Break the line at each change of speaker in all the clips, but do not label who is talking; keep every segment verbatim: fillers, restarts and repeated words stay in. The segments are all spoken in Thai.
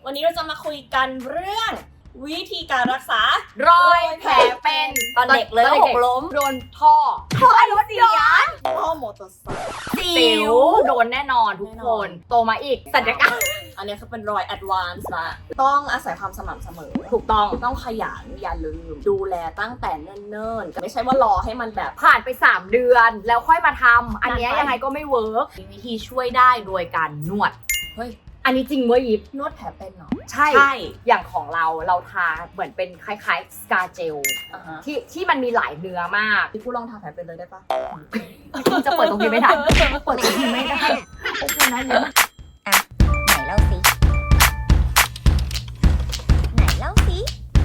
วันนี้เราจะมาคุยกันเรื่องวิธีการรักษาร
อยแผลเป็น
ตอนเด็กเลยหกล้ม
โดนท่อ
ท่อรถยนต์ท่อมอเตอร์ไซค์
สิวโดนแน่นอนทุกคนโตมาอีกศัลยกรรม
อันนี้คือเป็นรอยแอดวานซ์ละต้องอาศัยความสม่ำเสมอ
ถูกต้อง
ต้องขยันอย่าลืมดูแลตั้งแต่เนิ่นๆไม่ใช่ว่ารอให้มันแบบ
ผ่านไปสามเดือนแล้วค่อยมาทำอันนี้ยังไงก็ไม่เวิร์กมีวิธีช่วยได้โดยการนวด
เฮ้ย
อันนี้จริงเว้ยยิบ
นวดแผลเป็นเนาะ
ใช่ใช่อย่างของเราเราทาเหมือนเป็นคล้ายๆสกาเจลที่ที่มันมีหลายเนื้อมาก
พี่ผู้ลองทาแผลเป็นเลยได้ปะ
จะเปิดตรงนี้ไม่ได้เปิดตรงนี้ไม่ได้โอเคนะยิบ
อ่ะไหนเล่าสิไหนเล่าสิ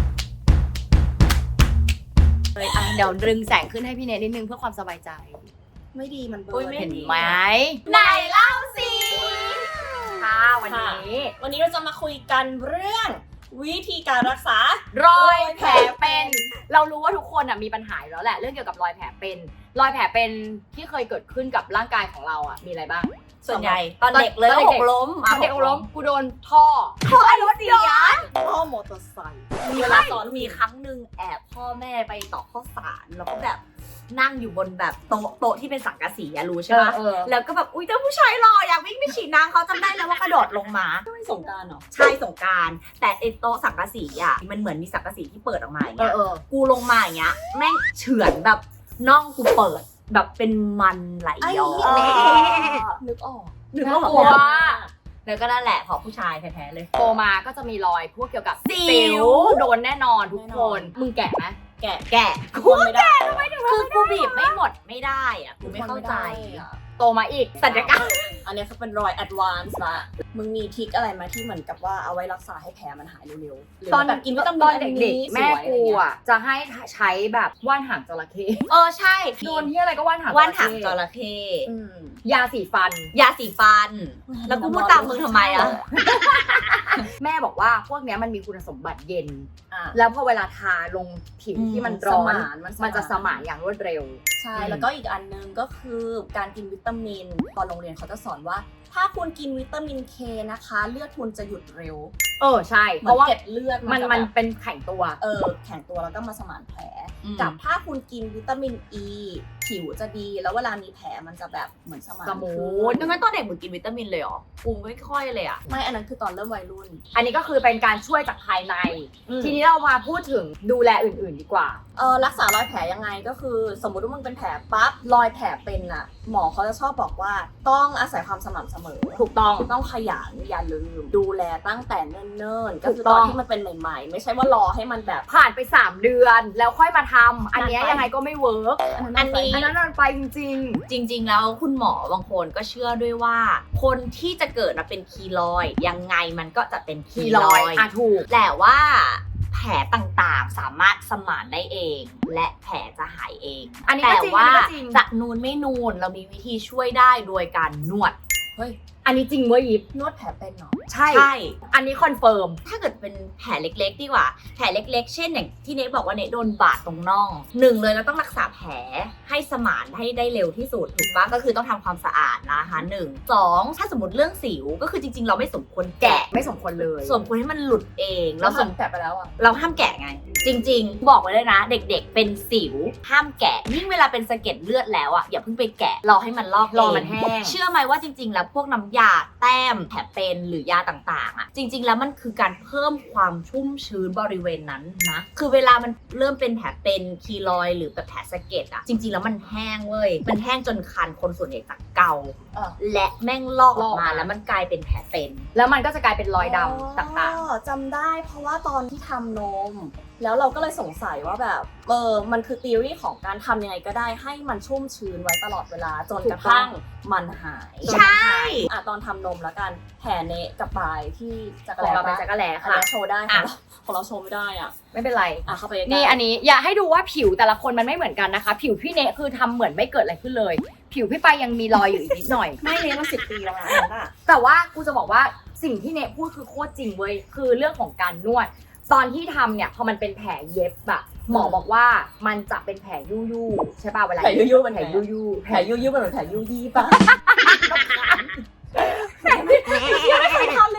เลยอ่ะเดี๋ยวดึงแสงขึ้นให้พี่เนทนิดนึงเพื่อความสบายใจ
ไม่ดีมันเบล
อเห็นไหม
ไหนเล่าสิ
ค่ะวันนี้
วันนี้เราจะมาคุยกันเรื่องวิธีการรักษาร
อยแผลเป็นเรารู้ว่าทุกคนอ่ะมีปัญหาอยู่แล้วแหละเรื่องเกี่ยวกับรอยแผลเป็นรอยแผลเป็นที่เคยเกิดขึ้นกับร่างกายของเราอ่ะมีอะไรบ้าง
ส่วนใหญ่ตอนเด็กเลยหกล้ม
ตอนเด็กหกล้มกูโดนท่อ
ท่อรถยนต์ท่อมอเตอร์ไซค์มีเวลาสอนมีครั้งหนึ่งแอบพ่อแม่ไปต่อข้าวสารแล้วก็แบบนั่งอยู่บนแบบโต๊ะโต๊ะที่เป็นสังกะสีอะรู้ใช่ไหมแล้วก็แบบอุ้ยเจ้าผู้ชายหล่ออยากวิ่งไปฉีดน้ำเขาจำได้แล้วว่ากระโดดลงมา
สงกรานต์เหรอ
ใช่สงกรานต์แต่ไอโต๊ะสังกะสีอะมันเหมือนมีสังกะสีที่เปิดออกมาอย่างเงี้ยกูลงมาอย่างเงี้ยแม่งเฉือนแบบน่องกูเปิดแบบเป็นมันไหลย้อนนึกออกนึกออกว่าแล้วก็นั่นแหละขอผู้ชายแท้ๆเลย
โตมาก็จะมีรอยพวกเกี่ยวกับสิวโดนแน่นอนทุกคนมึงแก่ไหม
แกะแกะกูไม่ได้คือกูบีบไม่หมดไม่ได้อะกูไม่เข้าใจ
โตมาอีกศัลยกรรม
อันนี้คือเป็นรอยแอดวานซ์ละมึงมีทริคอะไรมาที่เหมือนกับว่าเอาไว้รักษาให้แผลมันหายเร็ว
ๆตอนแบบกินวิตามินเด็กๆแม่กูอ่ะจะให้ใช้แบบว่านหางจระเข้
เออใช่
โดนที่อะไรก็ว่านหาง
ว่านหางจระเข้
ยาสีฟัน
ยาสีฟันแล้วกูพูดตามมึงทำไมอ่ะ
แม่บอกว่าพวกนี้มันมีคุณสมบัติเย็นแล้วพอเวลาทาลงผิวที่มันร้อนมันจะสมานอย่างรวดเร็ว
ใช่แล้วก็อีกอันนึงก็คือการกินวิตามินตอนโรงเรียนเขาจะสอนว่าถ้าคุณกินวิตามินเคนะคะเลือดคุณจะหยุดเร็ว
เออใช่เพราะว่า
เก็บเลือด
มันมันเป็นแข็งตัว
เออแข็งตัวแล้วก็มาสมานแผลกับถ้าคุณกินวิตามินอีผิวจะดีแล้วเวลามีแผลมันจะแบบเหมือนสมาน
สมูท
ดังนั้นตอนเด็กมึงกินวิตามินเลยเหรอกูไม่ค่อยเลยอ่ะไม่อันนั้นคือตอนเริ่มวัยรุ่น
อันนี้ก็คือเป็นการช่วยจากภายในทีนี้เรามาพูดถึงดูแลอื่นๆดีกว่า
เออรักษารอยแผลยังไงก็คือสมมติว่ามึงเป็นแผลปั๊บรอยแผลเป็นอ่ะหมอเขาจะชอบบอกว่าต้องอาศัยความสม่ำเสมอ
ถูกต้อง
ต้องขยันอย่าลืมดูแลตั้งแต่เนิ่นๆก็คือตอนที่มันเป็นใหม่ๆไม่ใช่ว่ารอให้มันแบบ
ผ่านไปสามเดือนแล้วค่อยมาทำอันนี้ยังไงก็ไม่เวิร์ก
อันนี้
อันนั้นมันไปจริง
ๆจริงๆแล้วคุณหมอบางคนก็เชื่อด้วยว่าคนที่จะเกิดมาเป็นคีลอยด์ยังไงมันก็จะเป็นคีลอยด์
อ่ะถูก
แต่ว่าแผลต่างๆสามารถสมานได้เองและแผลจะหายเอง
อันนี้
แต่ว่าจะนูนไม่นูนเรามีวิธีช่วยได้โดยการนวด
เฮ้ยอันนี้จริงเว้ยยิบ
นวดแผลเป็นเนาะ
ใช่ใช่อันนี้คอนเฟิร์ม
ถ้าเกิดเป็นแผลเล็กๆดีกว่าแผลเล็กๆเช่นอย่างที่เนทบอกว่าเนทโดนบาดตรงน่องหนึ่งเลยเราต้องรักษาแผลให้สมานให้ได้เร็วที่สุดถูกปะก็คือต้องทำความสะอาดนะคะหนึ่งสองถ้าสมมติเรื่องสิวก็คือจริงๆเราไม่สมควรแกะ
ไม่สมควรเลย
สมควรให้มันหลุดเอง
เราสมแกะไปแล้วอะ
เราห้ามแกะไงจริงๆบอกไว้เลยนะเด็กๆเป็นสิวห้ามแกะยิ่งเวลาเป็นสะเก็ดเลือดแล้วอ่ะอย่าเพิ่งไปแกะรอให้มันลอก
รอมันแห้ง
เชื่อไหมว่าจริงๆแล้วพวกน้ำยาแต้มแผลเป็นหรือยาต่างๆอ่ะจริงๆแล้วมันคือการเพิ่มความชุ่มชื้นบริเวณนั้นนะคือเวลามันเริ่มเป็นแผลเป็นคีลอยด์หรือแบบแผลสะเก็ดอ่ะจริงๆแล้วมันแห้งเว้ยมันแห้งจนคันคนส่วนใหญ่จะเกาและแม่งลอกออกมาแล้วมันกลายเป็นแผลเป็น
แล้วมันก็จะกลายเป็นรอยดำต่าง
ๆจำได้เพราะว่าตอนที่ทำนมแล้วเราก็เลยสงสัยว่าแบบเออมันคือ theory ของการทำยังไงก็ได้ให้มันชุ่มชื้นไว้ตลอดเวลาจนกระทั่งมันหาย
ใช่
อ่ะตอนทำนมแล้วกันแผลเนะกับปลายที่จักรแล
เราเป็นจักรแลค่ะ
โชว์ได้ค่ะของเราโชว์ไม่ได้อ่ะ
ไม่เป็นไร
อ่ะเข้าไป
นี่อันนี้อยากให้ดูว่าผิวแต่ละคนมันไม่เหมือนกันนะคะผิวพี่เนะคือทำเหมือนไม่เกิดอะไรขึ้นเลยผิวพี่ปายยังมีรอยอยู่อีกนิดหน่อย
ไม่เนะมาสิบปีแล้วนะ
แต่ว่ากูจะบอกว่าสิ่งที่เนะพูดคือโคตรจริงเว้ยคือเรื่องของการนวดตอนที่ทำเนี่ยพอมันเป็นแผลเย็บอะหมอบอกว่ามันจะเป็นแผลยู่ยู่ใช่ป่ะเวลา
แผลยู่ยู่เป็น
แผลยู่ยู่
แผลยู่ยู่เป็นเหมือนแผลยู่ยี่ป่ะ
แผลไม่เคยทำเลยเนี่ย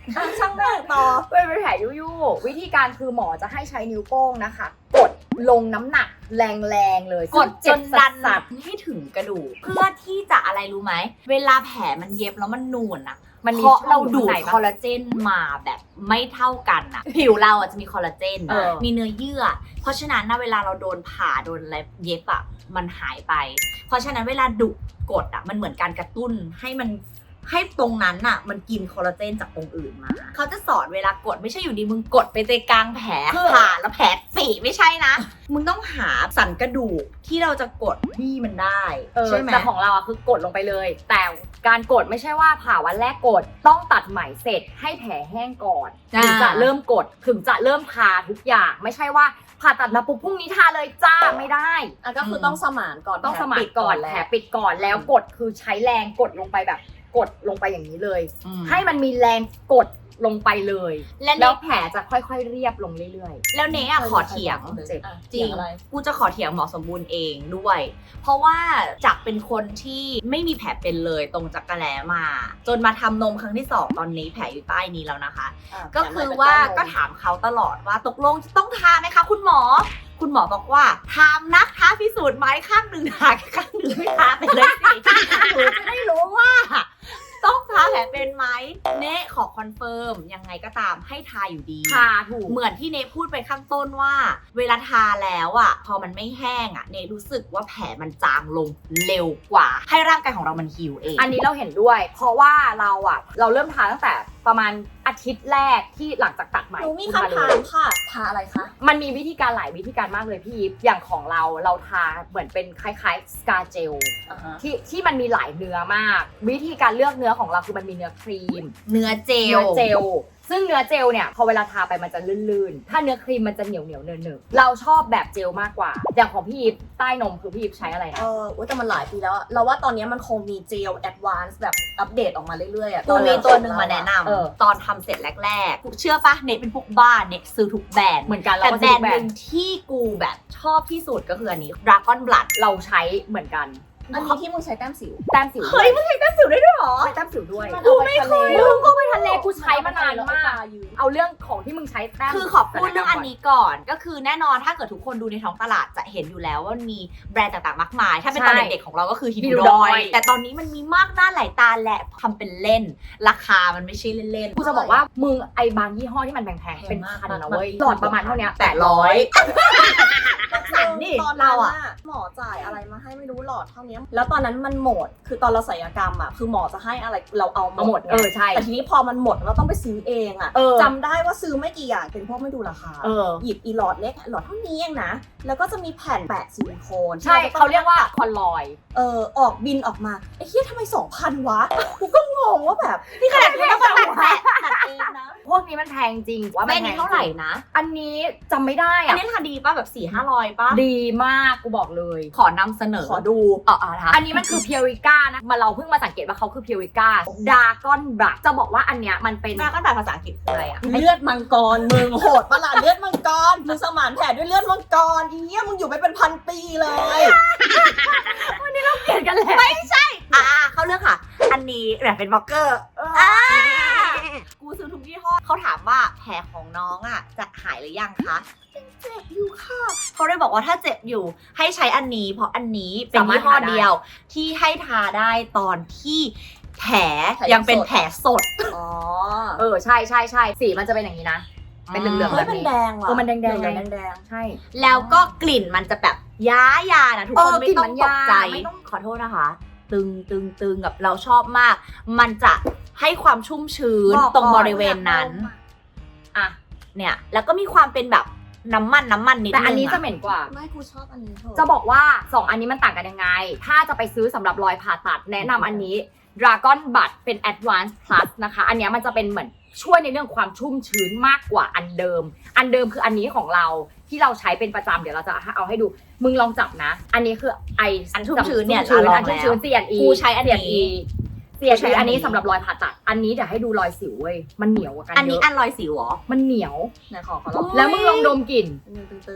ช่างแม่งต่อ
เป็นแผลยุ่ๆวิธีการคือหมอจะให้ใช้นิ้วโป้งนะคะ กดลงน้ำหนักแรงๆเลย
กดจนดัน
สัด
ให้ถึงกระดูกเพื่อที่จะอะไรรู้ไหมเวลาแผลมันเย็บแล้วมันนูนอะ
ๆมันมี
เพราะเราดูด
ไหน
คอลลาเจนมาแบบไม่เท่ากันอะผิวเราอะจะมีคอลลาเจน
เออ
มีเนื้อเยื่อ เพราะฉะนั้นนะเวลาเราโดนผ่าโดนอะไรเย็บอะมันหายไป เพราะฉะนั้นเวลาดุกดอะมันเหมือนการกระตุ้นให้มันให้ตรงนั้นอะมันกินคอลลาเจนจากตรงอื่นมาเขาจะสอนเวลากดไม่ใช่อยู่ดีมึงกดไปในกลางแผลผ่าแล้วแผลฝีไม่ใช่นะ มึงต้องหาสันกระดูกที่เราจะกดบี้มันได้
เออ
ใช่ไหม
แต่ของเราอะคือกดลงไปเลย แต่การกดไม่ใช่ว่าผ่าวันแรกกดต้องตัดไหมเสร็จให้แผลแห้งก่อนถึงจะเริ่มกดถึงจะเริ่มทาทุกอย่าง ไม่ใช่ว่าผ่าตัดมาปุ๊บพรุ่งนี้ทาเลยจ้าไม่ได้
อ่ะก็คือต้องสมานก่อน
ต้องสมานก่อนแผลปิดก่อนแล้วกดคือใช้แรงกดลงไปแบบกดลงไปอย่างนี้เลย
อืม
ให้มันมีแรงกดลงไปเลย
และ
แล้
เน
วแผลจะค่อยๆเรียบลงเรื่อย
แล้วเนอะขอเถียง
เจ็บ
อ่ะ
จริง
อะไร
กูจะขอเถียงหมอสมบูรณ์เองด้วย เพราะว่าจากเป็นคนที่ไม่มีแผลเป็นเลยตรงจักรแล้มา จนมาทำนมครั้งที่สองตอนนี้แผลอยู่ใต้นี้แล้วนะคะ
ะ
ก็คือว่าก็ถามเขาตลอดว่าตกลงต้องทาไหมคะคุณหมอ คุณหมอบอกว่าทามนักท้าพิสูจน์ไหมข้างหนึ่งทาข้างหนึ่งไม่ทาไปเลยสิหนูจะได้รู้ว่า ต้องทาแผลเป็นไหมเนะขอคอนเฟิร์มยังไงก็ตามให้ทาอยู่ดี
ๆทาถูก
เหมือนที่เนพูดไปข้างต้นว่า เวลาทาแล้วอ่ะพอมันไม่แห้งอ่ะเนรู้สึกว่าแผลมันจางลงเร็วกว่า ให้ร่างกายของเรามันฮีลเอง
อันนี้เราเห็นด้วย เพราะว่าเราอะเราเริ่มทาตั้งแต่ประมาณอาทิตย์แรกที่หลังจากตัดไหม
หนูมี
ขึ้น
คำ
เล
ถาม
ย
ค่ะทาอะไรคะ
มันมีวิธีการหลายวิธีการมากเลยพี่ยิปอย่างของเราเราทาเหมือนเป็นคล้ายๆสกาเจล
อ่าฮะ
ที่ที่มันมีหลายเนื้อมาก วิธีการเลือกเนื้อของเราคือมันมีเนื้อครีม
เนื้อเจล
เนื้อเจล ซึ่งเนื้อเจลเนี่ยพอเวลาทาไปมันจะลื่นๆ ถ้าเนื้อครีมมันจะเหนียวเหนียวๆเนินเนิเราชอบแบบเจลมากกว่า อย่างของพี่ยิปใต้นมคือพี่ยิปใช้อะไร
เอ
นะ
ออุ๊ยแต่มันหลายปีแล้วอะเราว่าตอนนี้มันคงมีเจลแอดวานซ์แบบอัปเดตออกมาเรื่อยๆอะ
กูมีตัวหนึ่งมาแนะน
เออ
ำตอนทำเสร็จแรกๆกูเชื่อปะเนเป็นพวกบ้านเนซื้อทุกแบรนด์
เหมือนกันเรา
แต่
ก็
แบร
ซื้
น
อ
ด์
แบร
หนึ่
น
ง
ด์
ที่กูแบบชอบที่สุดก็คืออันนี้ Dragon Blood
เราใช้เหมือนกัน
อันนี้ที่มึงใช้แต้มสิว
แต้มสิว
เฮ้ยมึงใช้แต้มสิวได้ด้วยเหรอ
ใช้แต้มสิวด้วย
กูไม่เคย
มึงก็ไปทะเลกูใช้มานานมาก
ยืม
เอาเรื่องของที่มึงใช้แต้ม
คือขอพูดเรื่องอันนี้ก่อน ก็คือแน่นอนถ้าเกิดทุกคนดูในท้องตลาดจะเห็นอยู่แล้วว่ามันมีแบรนด์ต่างๆมากมาย ถ้าเป็นตอนเด็กๆของเราก็คือฮินดอย แต่ตอนนี้มันมีมากหน้าหลายตาและทำเป็นเล่น ราคามันไม่ใช่เล่นๆ
กูจะบอกว่ามึงไอ้บางยี่ห้อที่มันแพงๆเป็นพันนะเว้ยหลอดประมาณเท่านี้
แปดร้อย สั่งดิ
ตอน
เรา
เรา
อะ
อะหมอจ่ายอะไรมาให้ไม่รู้หลอดเท่านี้แล้วตอนนั้นมันหมด คือตอนเราศัลยกรรมอะคือหมอจะให้อะไรเราเอา
เอาหมด
ไง
เออใช่
แต่ทีนี้พอมันหมดเราต้องไปซื้อเองอะ
เออ
จำได้ว่าซื้อไม่กี่อย่างเป็นพวกไม่ดูราคา
เออ
หยิบอีหลอดเล็กหลอดเท่านี้เองนะ แล้วก็จะมีแผ่นแปะซิลิโคน
ใช่
ที่
เขาเรียกว่าคอนลอย
เออออกบินออกมาไอ้เหี้ยทำไมสองพันวะกูก็งงว่าแบบนี่ขนาดกูต้องมาตัดแปะตัดเองนะ
พวกนี้มันแพงจริงว่า
แม่
มันแพ
นี้
ง
เท่าไหร่นะ
อันนี้จำไม่ได้
อัน
อะ
นี้ราคาดีป่ะแบบสี่ห้าร้อยป่ะ
ดีมากกูบอกเลย
ขอนำเสนอ
ขอดู
อ๋ออ๋อนะ
อันนี้มันคือเพียริก้านะมาเราเพิ่งมาสังเกตว่าเขาคือเพียริก้าดากอนบลักจะบอกว่าอันเนี้ยมันเป็น
ดราก้อนแบบภาษาอังกฤษคืออะไรอ่ะ
เลือดมังกรมึงโหดปะล่ะเลือดมังกรมึงสมานแผลด้วยเลือดมังกรอีเหี้ยมึงอยู่ไปเป็นพันปีเลย
เปลี่ยนกันแล้ว
อ่าเข้าเรื่องค่ะ อันนี้แบบเป็นบล็อกเกอร์อ่ากูซื้อทุกยี่ห้อเขาถามว่าแผลของน้องอ่ะจะหายหรือยังคะยังเจ็บอยู่ค่ะเขาเลยบอกว่าถ้าเจ็บอยู่ให้ใช้อันนี้ เพราะอันนี้เป็นยี่ห้อเดียว ที่ให้ทาได้ตอนที่แผลยังเป็นแผลสด
อ๋อ
เออใช่ใช่ใช่สีมันจะเป็นอย่างนี้นะ เป็นเหลืองๆ
เฮ้
แบ
ย
บ
มัน
นี้
แดงว่ะ
เออมันแดงๆ
เหลือ
ไง
งๆแดง
ใช่
แล้วก็กลิ่นมันจะแบบย้ายานะทุก
เอ
ค
อน
ไม่
กลิ่น
ต้อ
มั
ง
น
ตกใจ
ยาไม่ต้อง
ขอโทษนะคะ ตึงตึงตึงกับเราชอบมาก มันจะให้ความชุ่มชื้น
บอก
ตรง
ก่อน
บริเวณนั้น
อ่ะ
เนี่ยแล้วก็มีความเป็นแบบน้ำมันน้ำมันนิดนึง
แต่อันนี้จะ
อะ
เหม็นกว่า
ๆไม่กูชอบอันนี้เถอะ
จะบอกว่าสองอันนี้มันต่างกันยังไง ถ้าจะไปซื้อสำหรับรอยผ่าตัดแนะนำอันนี้ Dragon Bud เป็น Advanced Plus นะคะ อันเนี้ยมันจะเป็นเหมือนช่วยในเรื่องความชุ่มชื้นมากกว่าอันเดิม อันเดิมคืออันนี้ของเราที่เราใช้เป็นประจำเดี๋ยวเราจะเอาให้ดู มึงลองจับนะ อันนี้คือไอ
อันชุ่มชื้นเนี่ย
ชุ่มชื้น
เราลอง
อันชุ่มชื้น
แล้ว
ซี แอนด์ อี
กูใช้อันนี้
ซี
กูใช้
แอนด์ อี
อั
อั
น
น
นี้
นี้สำหรับรอยผ่าตัด อันนี้เดี๋ยวให้ดูรอยสิวเว้ย มันเหนียวกว่ากัน
อันนี้
เย
อั
อะ
นรอยสิวเหรอ
มันเหนียว
ไหนขอขอลอง
แล้วมึงลองดมกลิ่น
ตึงตึง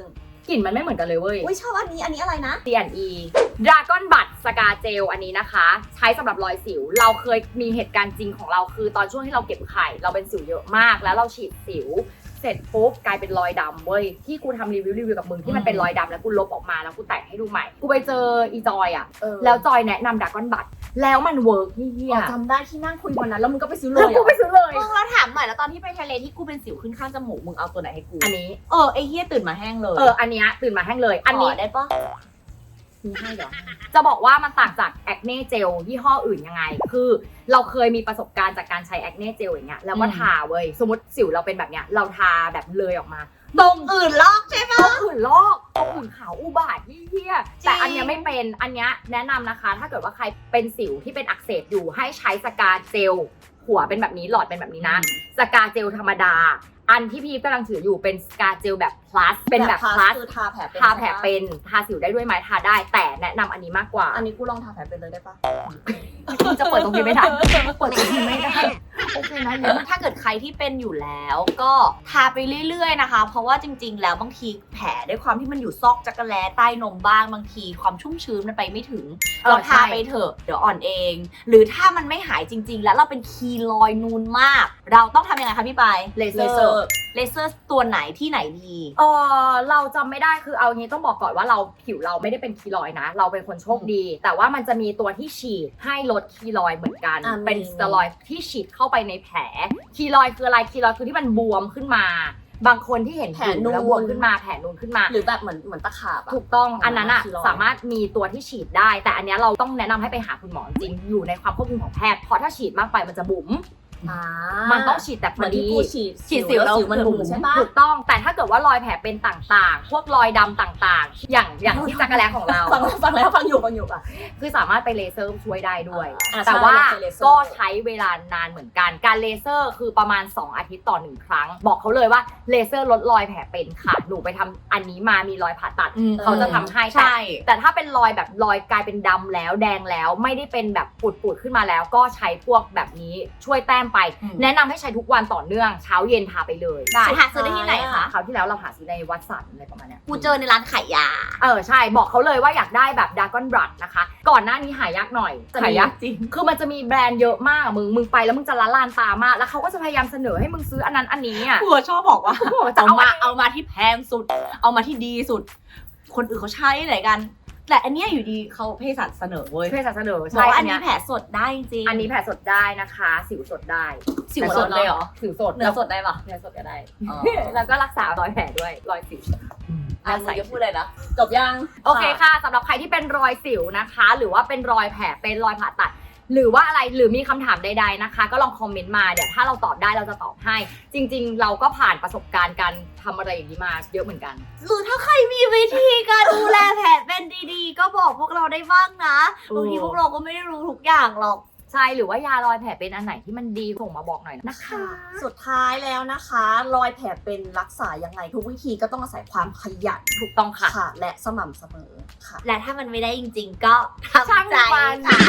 กลิ่นมันไม่เหมือนกันเลยเว้ย
อุ้ยชอบอันนี้อันนี้อะไรนะ
ซี แอนด์ อี Dragon Bud สกาเจลอันนี้นะคะ ใช้สำหรับรอยสิว เราเคยมีเหตุการณ์จริงของเราคือตอนช่วงที่เราเก็บไข่เราเป็นสิวเยอะมากแล้วเราฉีดสิว เสร็จปุ๊บกลายเป็นรอยดำเว้ยที่กูทำรีวิวรีวิวกับมึงที่มันเป็นรอยดำแล้วกูลบออกมาแล้วกูแต่งให้ดูใหม่ กูไปเจออีจอยอ่ะ
เออ
แล้วจอยแนะนำ Dragon Bud แล้วมันเวิร์กเฮีย
อ๋อจำได้ที่นั่งคุยวันนั้นแล้วมึงก็ไปซื้อเล
แล้ว
ย
กู
อะ
ไปซื้อเลย
มึงเราถามหน่อยแล้วตอนที่ไปทะเลที่กูเป็นสิวขึ้นข้างจมูกมึงเอาตัวไหนให้กู
อันนี้
เออไอ้เหี้ยตื่นมาแห้งเลย
เอออันเนี้ยตื่นมาแห้งเลย อันนี้
ขได้ปะ
มีให้เหรอจะบอกว่ามันต่างจากแอคเน่เจลยี่ห้ออื่นยังไง คือเราเคยมีประสบการณ์จากการใช้แอคเน่เจลอย่างเงี้ยแล้วก็ทาเว้ยสมมติสิวเราเป็นแบบเนี้ยเราทาแบบเลยออกมา
ตรงอื่นลอกใช่ปะ
ตรงอื่นลอกตรงอื่นขาวอุบาทเหี้ยๆแต่อันเนี้ยไม่เป็นอันเนี้ยแนะนำนะคะ ถ้าเกิดว่าใครเป็นสิวที่เป็นอักเสบอยู่ให้ใช้สกาเจลหัวเป็นแบบนี้หลอดเป็นแบบนี้นะสกาเจลธรรมดา อันที่พี่กำลังถืออยู่เป็นสกาเจลแบบ plus เป็นแบบ plus
คือทาแผลเป็น
ทาแผลเป็นทาสิวได้ด้วยไหมทาได้ แต่แนะนำอันนี้มากกว่า
อันนี้กูลองทาแผลเป็นเลยได้ปะ
จะเปิดตรงนี้ไม่ได้เปิดตรงนี้ไม่ได้โอเคนะเนี่ย
ถ้าเกิดใครที่เป็นอยู่แล้วก็ทาไปเรื่อยๆนะคะ เพราะว่าจริงๆ แล้วบางทีแผลด้วยความที่มันอยู่ซอกจักรแล้ใต้นมบ้างบางทีความชุ่มชื้นมันไปไม่ถึง
เออ
เราทา
ใช่
ไปเถอะเดี๋ยวอ่อนเอง หรือถ้ามันไม่หายจริง ๆ แล้วเราเป็นคีลอยด์นูนมาก เราต้องทำยังไงคะพี่ปาย
เลเซ
เล
อ
เซอ
ร์
ร์
เลเซอร์ตัวไหนที่ไหนดี
เออเราจำไม่ได้คือเอางี้ต้องบอกก่อนว่าเราผิวเราไม่ได้เป็นคีลอยด์นะ เราเป็นคนโชคดี แต่ว่ามันจะมีตัวที่ฉีดให้ลดคีลอยด์เหมือนกัน
อ่ะ
เป็น
มี
สเตียรอยด์ที่ฉีดเข้าไปในแผลคีลอยด์คืออะไรคีลอยด์คือที่มันบวมขึ้นมา บางคนที่เห็น
แผลนูน
แล้วบวมขึ้นมาแผลนูนขึ้นมา
หรือแบบเหมือนเหมือนตะขาบอะ
ถูกต้อง
อ๋ออั
อันนั้นอ่ะ
คีลอยด์
สามารถมีตัวที่ฉีดได้ แต่อันเนี้ยเราต้องแนะนำให้ไปหาคุณหมอจริงอยู่ในความควบคุมของแพทย์เพราะถ้าฉีดมากไปมันจะบุ๋ม
อ่า
มันต้องฉีดแต่พ
เหมื
อ
อนที่
ดี
กูฉีด
ฉีดสิวแล้ว
สิวมันบุ๋มใช่ปะ
ถูกต้องแต่ถ้าเกิดว่ารอยแผลเป็นต่างๆ พวกรอยดำต่างๆ อย่างอย่างที่จักรแล้ของเรา
ฟังฟังแล้วฟังอยู่ฟังอยู่อ่ะ
คือสามารถไปเลเซอร์ช่วยได้ด้วย
อ่า
แต่ว่า
ใช่เลเซอร์
ก็ใช้เวลานานเหมือนกัน การเลเซอร์คือประมาณสองอาทิตย์ต่อหนึ่งครั้ง บอกเขาเลยว่าเลเซอร์ลดรอยแผลเป็นค่ะ หนูไปทำอันนี้มามีรอยผ่าตัด
อืม
เขาจะทำให้
ใช่
แต่แต่ถ้าเป็นรอยแบบรอยกลายเป็นดำแล้วแดงแล้วไม่ได้เป็นแบบปูดๆขึ้นมาแล้ว ก็ใช้พวกแบบนี้ช่วยแต้มไป
อืม
แนะนำให้ใช้ทุกวันต่อเนื่องเช้าเย็นทาไปเลย
ได้หาซื้อได้ที่ไหนคะ
คราวที่แล้วเราหาซื้อในวัดสันอะไรประมาณเนี้ย
กูเจอในร้านขายยา
เออใช่บอกเขาเลยว่าอยากได้แบบดากอนบลัดนะคะ ก่อนหน้านี้หายากหน่อยจะมี
หายากจริง
คือมันจะมีแบรนด์เยอะมากอะมึงมึงไปแล้วมึงจะละลานตามาก แล้วเขาก็จะพยายามเสนอให้มึงซื้ออันนั้นอันนี้อ่ะ
กูชอบบอกว่า
กูบอกว่าจะ
เอา
เอา
มา
มา
เอามาที่แพงสุด เอามาที่ดีสุด คนอื่นเขาใช้ไหนกัน แต่อันเนี้ยอยู่ดีเขาเภสัชเสนอเว้ย
เพื่อจะเสนอ
บอก
ใช่
ว่าอั
อั
น
น
นี้
เนี้ย
แผลสดได้จริง
อันนี้แผลสดได้นะคะ สิวสดได้
สิวสดเลยเหรอ
สิวสด
เนื้อสดได้ปะ
เนื้อสดก็ได้
อ๋อ
แล้วก็รักษารอยแผลด้วยรอยสิว
อ่ะมึงจะพูดเลยนะ
จบยัง
โอเคค่ะสำหรับใครที่เป็นรอยสิวนะคะ หรือว่าเป็นรอยแผลเป็นรอยผ่าตัด หรือว่าอะไรหรือมีคำถามใดๆนะคะ ก็ลองคอมเมนต์มาเดี๋ยวถ้าเราตอบได้เราจะตอบให้ จริงๆ เราก็ผ่านประสบการณ์การทำอะไรอย่างนี้มาเยอะเหมือนกัน
หรือถ้าใครมีวิธีการดูแลแผลเป็นดีๆ ก็บอกพวกเราได้บ้างนะ
โอ้
บางทีพวกเราก็ไม่ได้รู้ทุกอย่างหรอก
ใช่หรือว่ายารอยแผลเป็นอันไหนที่มันดีส่งมาบอกหน่อยนะคะ
สุดท้ายแล้วนะคะ รอยแผลเป็นรักษายังไงทุกวิธีก็ต้องอาศัยความขยัน
ถูกต้องค่ะ
ค่ะ และสม่ำเสมอค่ะ
และถ้ามันไม่ได้จริงๆ ก็
ช่าง
ทำใจ
มัน
ค่ะ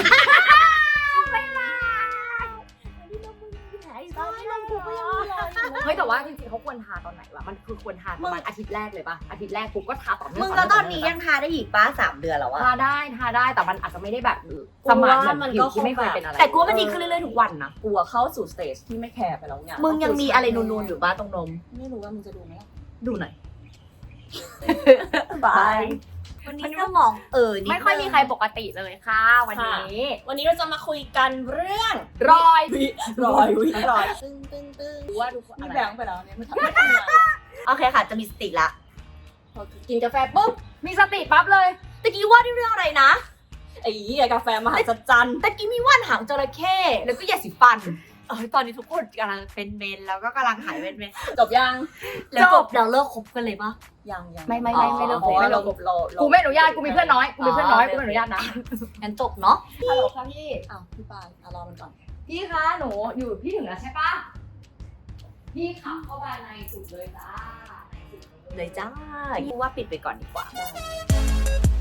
เฮ้ยแต่ว่าจริงๆเขาควรทาตอนไหนวะมันคือควรทาประมาณอาทิตย์แรกเลยป่ะอาทิตย์แรกปุ๊บก็ทาต่อเนื่อง
มึงแล้วตอนนี้ยังทาได้อีกป้าสามเดือนแล้วอะ
ทาได้ทาได้แต่มันอาจจะไม่ได้แบบ
กู
สมาน
ว่า
เหมือน
มัน
ผิ
ก็
วที่ไม่เคยเป็นอะไร
แต่กูว่ามันดีขึ้นเรื่อยๆทุกวันนะ
กลัวเข้าสู่สเตจที่ไม่แคร์ไปแล้วเนี่ย
มึงยังมีอะไรนูนๆอยู่บ้าตรงนม
ไม่รู้ว่ามึงจะดูไหมล่ะ
ดูหน่อย
บาย
วันนี้สมองเออนิด
ไม่ค่อยมีใครปกติเลยค่ะวันนี้
วันนี้เราจะมาคุยกันเรื่อง
รอย
วิรอยวิรอยตึ้งตึ้งตึ้ง
ดูว่าดูอะ
นี่
ไร
แบงค์ไปแล้วเนี่ยไม่ทำไม่ทำงานหรอ
โอเคค่ะ จะมีสติละ
พอกินกาแฟปุ๊บ
มีสติปั๊บเลย
ตะกี้ว่าด้วยเรื่องอะไรนะ
ไอ้เหี้ยกาแฟมหัศจรรย์
ตะกี้มีว่านหางจระเข้แล้วก็ยาสีฟัน เออตอนนี้ทุกคนกำลังเป็นเมนแล้วก็กำลังหายเป็นเมน
จบยัง
แล้วจบเราเลิกคบกันเลยปะ
ยังยัง
ไม่ไม่ไม่ไม่เลิก
พราะว่า
ไม่เลิ
เรา
ก
เราเรา
กูไม่อนุญาตกูมีเพื่อนน้อยกูมีเพื่อนน้อยกูไม่อนุญาตนะ
งั้นจบเนาะ
ฮัลโหลค่ะพี่
อ้าวพี่ปายอ่ะรอมันก่อน
พี่คะหนูอยู่พี่ถึงแล้วใช่ปะพี่ขับเข้ามาในสุดเลยจ้าในสุด
เลยจ้ากูว่าปิดไปก่อนดีกว่า
ได้